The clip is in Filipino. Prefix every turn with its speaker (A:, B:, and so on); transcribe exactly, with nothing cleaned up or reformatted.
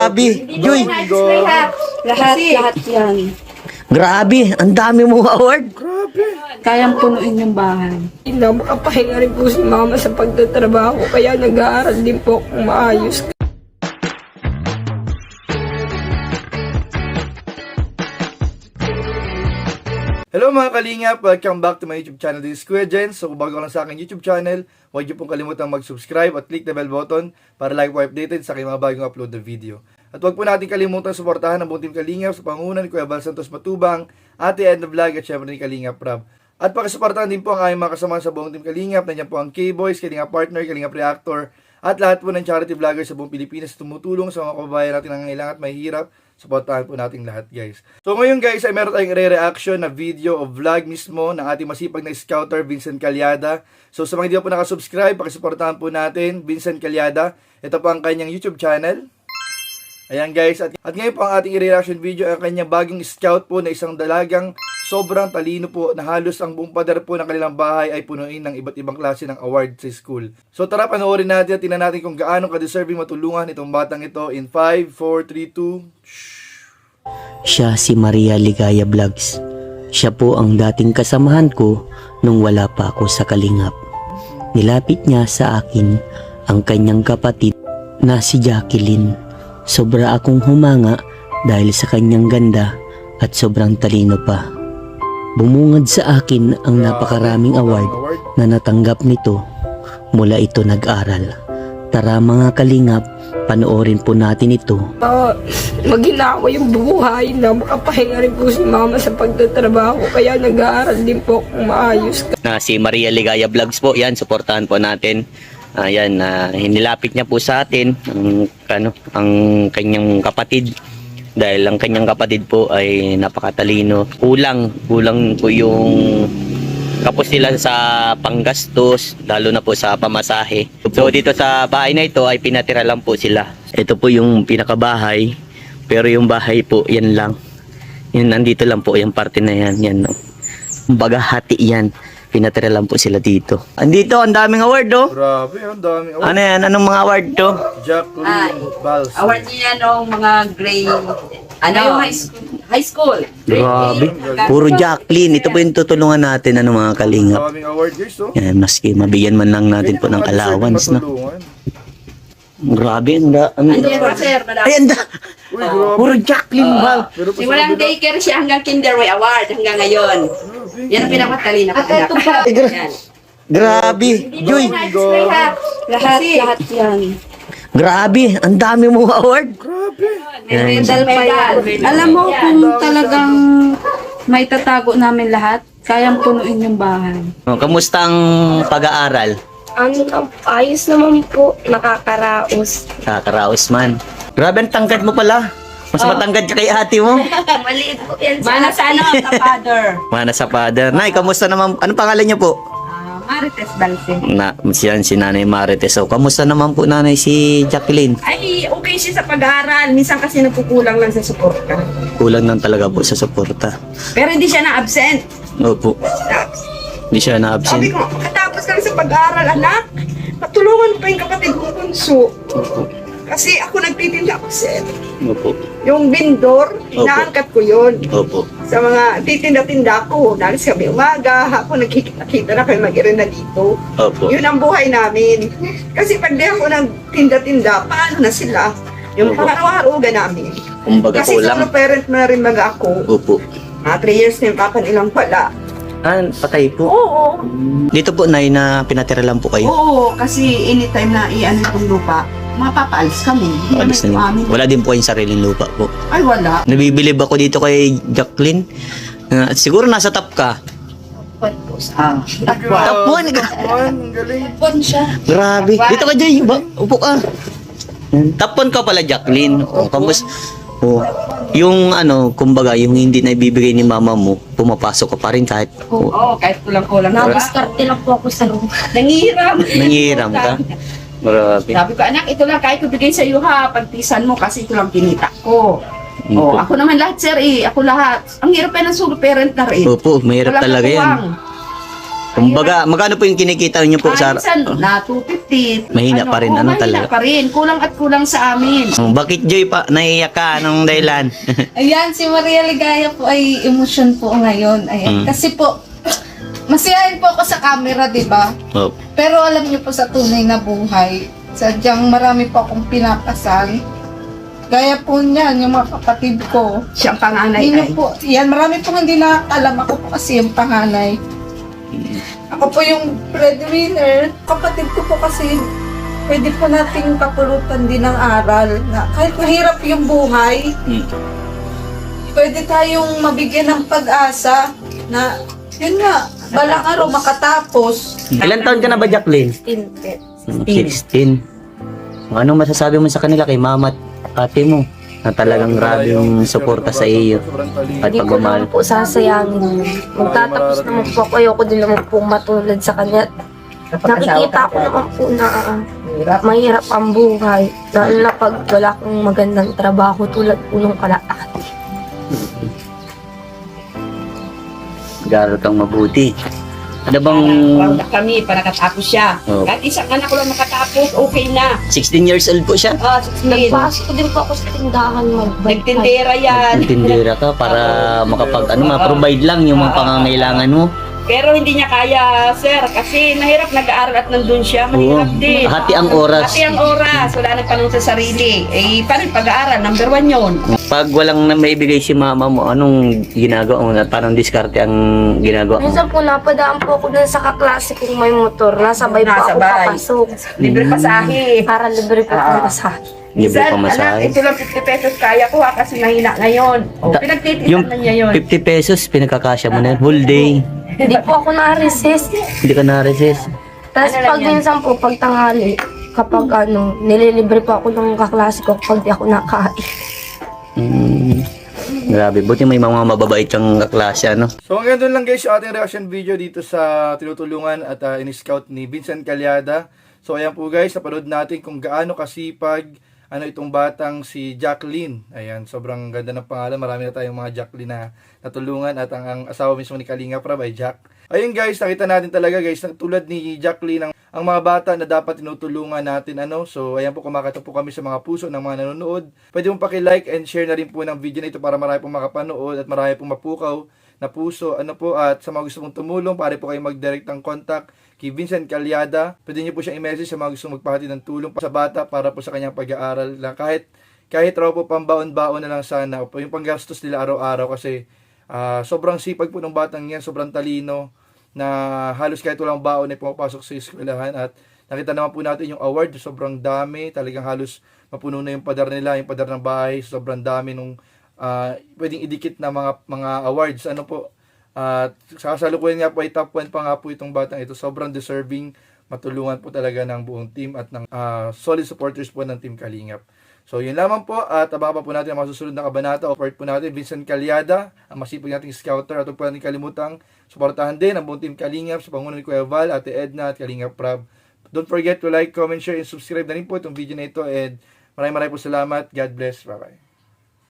A: Grabe, Joy.
B: Lahat, lahat, lahat yan.
A: Grabe, ang dami mong award.
B: Kayang punuin yung bahay.
C: Hindi na makapahinga rin po si mama sa pagtatrabaho, kaya nag-aaral din po akong maayos.
D: Hello mga kalingap! Welcome back to my YouTube channel. This is Kuya Jens. So kung bago ka lang sa aking YouTube channel, huwag niyo pong kalimutang mag-subscribe at click the bell button para like po updated sa aking mga bagong upload na video. At huwag po natin kalimutan suportahan ang buong team Kalingap sa pangunan ni Kuya Bal Santos Matubang, Ate Edna Vlog at syempre ni Kalingap Rab. At pakisuportahan din po ang aming mga kasama sa buong team Kalingap. Nandiyan po ang K-Boys, Kalingap Partner, Kalingap Reactor, at lahat po ng charity vloggers sa buong Pilipinas tumutulong sa mga kababayan natin na nangangailangan at mahihirap. Suportahan po natin lahat, guys. So ngayon, guys, ay meron tayong re-reaction na video o vlog mismo ng ating masipag na scouter, Vincent Calyada. So sa mga hindi po nakasubscribe, pakisuportahan po natin, Vincent Calyada. Ito po ang kanyang YouTube channel. Ayan, guys. At, at ngayon po ang ating re-reaction video ay ang kanyang bagong scout po na isang dalagang sobrang talino po na halos ang buong pader po ng kanilang bahay ay punuin ng iba't ibang klase ng award sa school. So tara, panoorin natin at tingnan natin kung gaano ka-deserving matulungan itong batang ito in five, four, three, two...
A: Siya si Maria Ligaya Vlogs. Siya po ang dating kasamahan ko nung wala pa ako sa Kalingap. Nilapit niya sa akin ang kanyang kapatid na si Jacqueline. Sobra akong humanga dahil sa kanyang ganda at sobrang talino pa. Bumungad sa akin ang napakaraming award na natanggap nito mula ito nag-aral. Tara mga Kalingap, panoorin po natin ito.
C: Uh, maginawa yung buhay na makapahinga rin po si mama sa pagtatrabaho, kaya nag-aaral din po akong maayos.
E: Na si Maria Ligaya Vlogs po, yan, suportahan po natin. Ayan, uh, hinilapit niya po sa atin ang, ano, ang kanyang kapatid. Dahil ang kanyang kapatid po ay napakatalino. Kulang, kulang po yung kapos nila sa panggastos, lalo na po sa pamasahe. So dito sa bahay na ito ay pinatira lang po sila. Ito po yung pinakabahay, pero yung bahay po, yan lang. Yan, nandito lang po, yung parte na yan. Yan. Kumbaga hati yan. Pinatira lang po sila dito. Andito, ang daming award, oh.
D: Grabe, ang daming award.
E: Ano yan? Anong mga award to?
D: Jacqueline Bals.
B: Award niya nung mga grade, ano, high school. High school.
E: Grabe. Puro Jacqueline. Ito po yung tutulungan natin, ano mga Kalingap.
D: Daming award, guys, oh.
E: Yan, maski mabigyan man lang natin po ng allowance, no? Grabe, ang da... Ang...
B: Andiyan pa, sir.
E: Ay, ang da...
D: Uy, grabe.
E: Puro Jacqueline, Val.
D: Pero
B: Si walang daycare siya hanggang Kinderway Award hanggang ngayon. Yan ang pinakatalino. At ito pa. Yan.
A: Grabe, Joy.
B: Lahat, lahat, lahat yan.
A: Grabe, ang dami mong award.
B: Medal pa yan. Alam mo kung talagang may tatago namin lahat, kayang punuin yung bahay.
E: Oh, kamusta ang pag-aaral?
C: Ano, ayos naman po, nakakaraos.
E: Kakaraos man. Grabe, ang tangkad mo pala. Mas matangkad ka kay ate mo.
C: Maliit po yan
B: Mana sa ano, sa father.
E: Mana sa father. Nay, kamusta naman? Anong pangalan niyo po?
B: Ah, Marites Balse.
E: Na, siyan si Nanay Marites. So, kamusta naman po Nanay si Jacqueline?
F: Ay, okay siya sa pag-aaral. Minsan kasi nagkukulang lang sa suporta.
E: Kulang lang talaga po sa suporta.
F: Pero hindi siya na-absent.
E: Opo. Hindi siya
F: Sabi
E: na-absent.
F: ko, katapos ka lang sa pag-aaral, anak. Patulungan pa yung kapatid kong bunso. Kasi ako nagtitinda ako, sir.
E: Opo.
F: Yung vendor, inaangkat ko yun.
E: Opo.
F: Sa mga titinda-tinda ko, nalis kami umaga, hapon nagkikita na kami mag-irena dito.
E: Opo.
F: Yun ang buhay namin. Kasi pag di ako nagtinda-tinda, paano na sila? Yung
E: Opo.
F: pangaraw-araw namin.
E: Kumbaga
F: Kasi
E: kulang.
F: solo parent na rin mag ako.
E: Opo.
F: Ah, three years na yung papa nilang pala.
E: Ah, patay po.
F: Oo.
E: Dito po, Nay, na pinatira lang po kayo.
B: Oo, kasi anytime na i-ano itong lupa, mapapaalis kami. Hindi naman
E: Alis
B: ito
E: na
B: amin.
E: yun. Wala din po yung sariling lupa po.
B: Ay, wala.
E: Nabibilib ako dito kay Jacqueline. Uh, siguro nasa top ka.
B: Ah, takwa.
E: Tapuan.
D: Tapuan, ang galing.
B: Pon siya.
E: Grabe. Dito ka, Jay. Ba? Upo ka. Tapon ka pala, Jacqueline. O, kamus... O, yung ano, kumbaga, yung hindi na ibibigay ni mama mo, pumapasok ka pa rin kahit
B: Oo, oh, kahit kulang-kulang.
C: Nakaskarte lang po ako sa room.
B: Nangihiram.
E: nangihiram ka. Grabe.
B: Sabi ko, anak, ito lang, kahit ko bigay sa iyo ha, pagtisan mo kasi ito lang kinita ko. Oh,
E: Opo.
B: ako naman lahat, sir, eh. Ako lahat. Ang hirap pa ng solo parent na rin.
E: Opo, mahirap
B: Walang
E: talaga yan.
B: katuwang.
E: Kumbaga, magkano po yung kinikita niyo po sa...
B: Minsan, na two fifty.
E: Mahina pa rin,
B: oo,
E: ano
B: mahina
E: talaga?
B: pa rin. Kulang at kulang sa amin.
E: Oh, bakit Joy pa? Naiiyak ka? Anong dahilan?
B: Ayan, si Maria Ligaya po ay emosyon po ngayon. Ayan.
E: Mm.
B: Kasi po, masiyahin po ako sa camera, di ba?
E: oh.
B: Pero alam niyo po sa tunay na buhay, sadyang marami po akong pinapasal. Gaya po niyan, yung mga kapatid ko.
F: Siyang panganay
B: Hindi
F: ay.
B: po, yan, marami pong hindi nakakalam. Ako po kasi yung panganay. Ako po yung breadwinner. Kapatid ko po kasi, pwede po nating kapulutan din ng aral. Na kahit mahirap yung buhay,
E: Mm.
B: pwede tayong mabigyan ng pag-asa na, yun nga, balang araw makatapos.
E: Ilan taon ka na ba, Jacqueline? sixteen. Anong masasabi mo sa kanila kay mama at ate mo na talagang grabe yung suporta sa iyo at
C: Hindi ko
E: pagmamahal?
C: naman po sasayangin. Magtatapos naman po ako. Ayoko din naman po matulad sa kanya. Nakikita ko naman po na ah, mahirap ang buhay. Lalo na pag wala akong magandang trabaho tulad po nung kalaati.
E: Mag-aaral kang mabuti. Ano bang
F: Proud na kami para katapos siya.
E: Oh.
F: Kahit isang anak ko lang makatapos, okay na.
E: sixteen years old po siya?
F: Ah, sixteen.
C: Nagpasok din po ako sa tindahan magbalik.
F: Nagtindera yan.
E: Tindera ka para makapag ano ma-provide lang yung mga pangangailangan mo.
F: Pero hindi niya kaya, sir, kasi mahirap nag-aaral at nandun siya, mahirap
E: Oo.
F: din.
E: Hati ang oras.
F: Hati ang oras, wala nang panong sa sarili. Eh, paano yung pag-aaral? Number one yun.
E: Pag walang na maibigay si mama mo, anong ginagawa mo? Parang diskarte ang ginagawa mo?
C: Minsan po napadaan po ako dun sa kaklase kong may motor. Nasabay po ako
F: Nasabay.
C: papasok.
F: Libre pasahe.
C: Para libre po
F: Ah.
C: ako sa
E: Libre
F: Minsan,
E: pa
F: anak,
E: masahe.
F: ito lang fifty pesos kaya ko ha, kasi mahina ngayon. O,
E: Ta-
F: pinagtitisan
E: Yung
F: na niya yun.
E: fifty pesos, pinagkakasya mo na yun. Whole day.
C: Hindi po ako na-resist.
E: Hindi ka na-resist.
C: Tapos
F: Ano lang
C: pag
F: yan?
C: minsan po, pag tanghali, kapag ano, nililibre po ako ng kaklase ko pag di ako nakain.
E: Mm. Grabe, buti may mga mababait kang kaklase, ano?
D: So hanggang doon lang guys yung ating reaction video dito sa tinutulungan at uh, in-scout ni Vincent Calyada. So ayan po guys, napanood natin kung gaano kasipag ano itong batang si Jacqueline. Ayan, sobrang ganda ng pangalan. Marami na tayong mga Jacqueline na natulungan at ang, ang asawa mismo ni Kalinga Prab ay Jack. Ayun guys, nakita natin talaga guys, na tulad ni Jacqueline ang, ang mga bata na dapat tinutulungan natin ano. So ayan po, kumakata po kami sa mga puso ng mga nanonood. Pwede mong paki-like and share na rin po ng video na ito para marami pong makapanood at marami pong mapukaw na puso. Ano po, at sa mga gusto mong tumulong, pare po kayo mag-direct ng contact kay Vincent Calyada. Pwede niyo po siyang i-message sa mga gusto magpahati ng tulong sa bata para po sa kanyang pag-aaral lang. Kahit kahit raw po pambaon-baon na lang sana o po yung panggastos nila araw-araw kasi uh, sobrang sipag po ng batang yan, sobrang talino na halos kahit walang baon ay pumapasok sa eskwelahan. At nakita naman po natin yung award, sobrang dami, talagang halos mapuno na yung padar nila, yung padar ng bahay, sobrang dami nung uh, pwedeng idikit na mga mga awards. Ano po, at uh, sa kasalukuyan nga po ay top one pa nga po itong batang ito. Sobrang deserving, matulungan po talaga ng buong team at ng uh, solid supporters po ng Team Kalingap. So yun lamang po, at abangan pa po natin ang masusunod na kabanata. Offered po natin Vincent Calyada, ang masipag nating scouter. At huwag po natin kalimutang suportahan din ang buong Team Kalingap sa pangunan ni Kuya Val, Ate Edna at Kalingap Prab. Don't forget to like, comment, share, and subscribe na rin po itong video na ito. And maraming maraming po salamat. God bless. Bye bye.